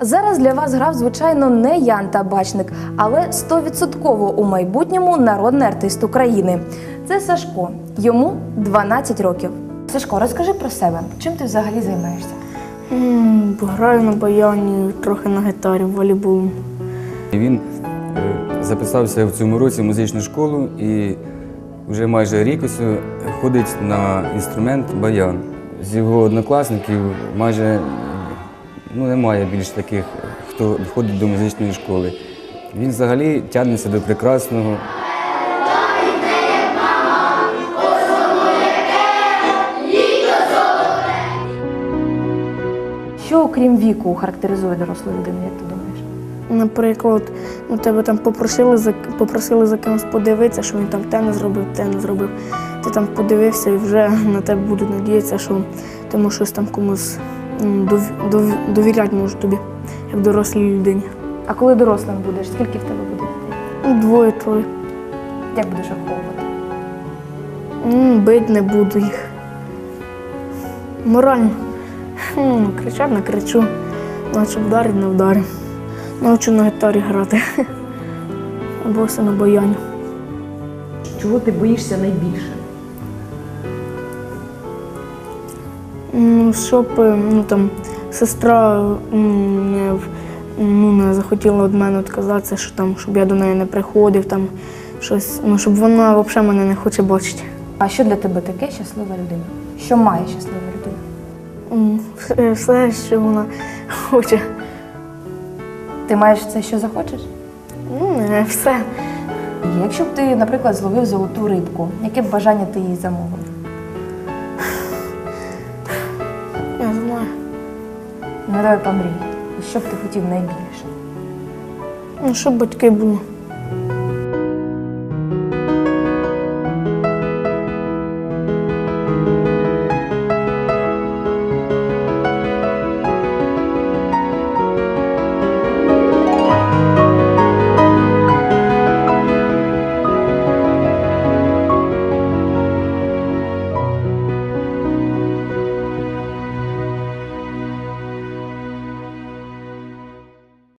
Зараз для вас грав, звичайно, не Ян Табачник, але 100% у майбутньому народний артист України. Це Сашко. Йому 12 років. Сашко, розкажи про себе. Чим ти взагалі займаєшся? Граю на баяні, трохи на гітарі, волейболом. Він записався в цьому році в музичну школу і вже майже рік ось ходить на інструмент баян. З його однокласників майже немає більш таких, хто ходить до музичної школи. Він взагалі тягнеться до прекрасного. Що, окрім віку, характеризує дорослу людину, як ти думаєш? Наприклад, тебе там попросили за кимось подивитися, що він там те не зробив. Ти там подивився і вже на тебе будуть надіятися, що ти можеш щось там комусь довіряти може тобі, як дорослій людині. А коли дорослим будеш, скільки в тебе буде дітей? Двоє-троє. Як будеш виховувати? Бить не буду їх. Морально. Кричать, не кричу. Наче вдарить, не вдарю. Навчу на гітарі грати. Або все на баяні. Чого ти боїшся найбільше? Щоб сестра не захотіла від мене відказатися, щоб я до неї не приходив, щоб вона взагалі мене не хоче бачити. А що для тебе таке щаслива людина? Що має щаслива людина? Все, що вона хоче. Ти маєш все, що захочеш? Не все. Якщо б ти, наприклад, зловив золоту рибку, яке б бажання ти їй замовив? Я знаю. Ну, давай помрій. І що б ти хотів найбільше? Щоб батьки були.